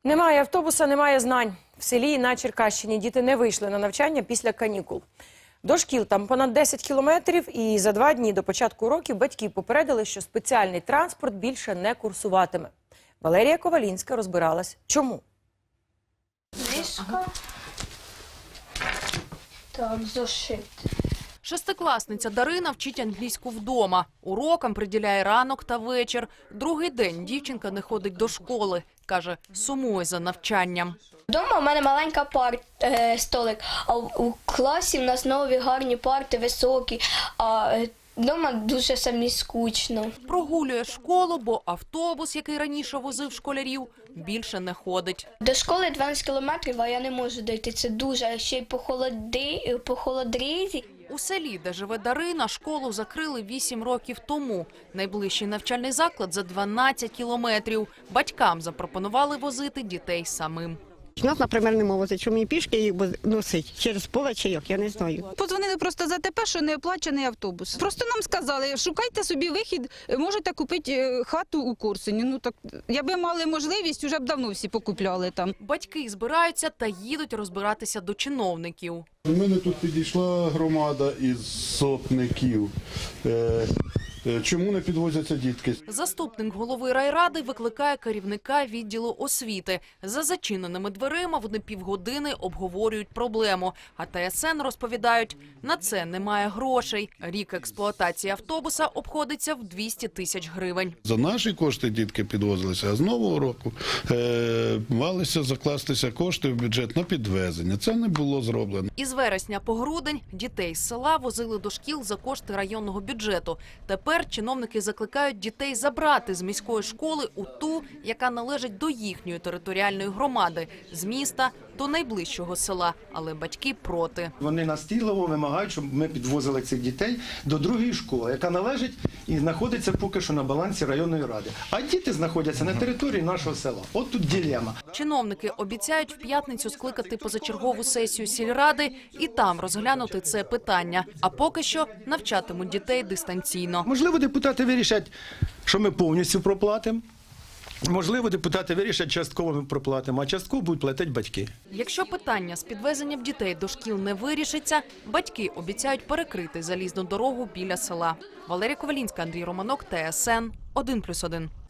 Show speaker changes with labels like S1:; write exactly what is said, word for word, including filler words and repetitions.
S1: Немає автобуса, немає знань. В селі на Черкащині діти не вийшли на навчання після канікул. До шкіл там понад десять кілометрів, і за два дні до початку уроків батьки попередили, що спеціальний транспорт більше не курсуватиме. Валерія Ковалінська розбиралась, чому.
S2: Мишка. Так, зошит.
S3: Шестикласниця Дарина вчить англійську вдома. Урокам приділяє ранок та вечір. Другий день дівчинка не ходить до школи. Каже, сумує за навчанням.
S2: Вдома у мене маленька пар, е, столик, а в- у класі в нас нові гарні парти, високі, а е, вдома дуже самі скучно.
S3: Прогулює школу, бо автобус, який раніше возив школярів, більше не ходить.
S2: До школи дванадцять кілометрів, а я не можу дойти, це дуже, а ще й по, холоди, по холодрізі.
S3: У селі, де живе Дарина, школу закрили вісім років тому. Найближчий навчальний заклад за дванадцять кілометрів. Батькам запропонували возити дітей самим.
S4: Нас, наприклад, не возить, що мені пішки їх носить через поле чи як, я не знаю.
S5: Подзвонили просто за те, що не оплачений автобус. Просто нам сказали, шукайте собі вихід, можете купити хату у Корсуні. Ну так, якби мали можливість, вже б давно всі покупляли там.
S3: Батьки збираються та їдуть розбиратися до чиновників.
S6: У мене тут підійшла громада із сотників. Е, е, Чому не підвозяться дітки?
S3: Заступник голови райради викликає керівника відділу освіти. За зачиненими дверима вони півгодини обговорюють проблему. А Т С Н розповідають, на це немає грошей. Рік експлуатації автобуса обходиться в двісті тисяч гривень.
S6: За наші кошти дітки підвозилися, а з нового року е, малися закластися кошти в бюджет на підвезення. Це не було зроблено.
S3: Із вересня по грудень дітей з села возили до шкіл за кошти районного бюджету. Тепер чиновники закликають дітей забрати з міської школи у ту, яка належить до їхньої територіальної громади, з міста до найближчого села. Але батьки проти.
S7: Вони настійливо вимагають, щоб ми підвозили цих дітей до другої школи, яка належить і знаходиться поки що на балансі районної ради. А діти знаходяться на території нашого села. От тут дилема.
S3: Чиновники обіцяють в п'ятницю скликати позачергову сесію сільради і там розглянути це питання. А поки що навчатимуть дітей дистанційно.
S7: Можливо, депутати вирішать, що ми повністю проплатимо. Можливо, депутати вирішать, частково ми проплатимо, а частково будуть платити батьки.
S3: Якщо питання з підвезенням дітей до шкіл не вирішиться, батьки обіцяють перекрити залізну дорогу біля села. Валерія Ковалінська, Андрій Романок, Т С Н один плюс один.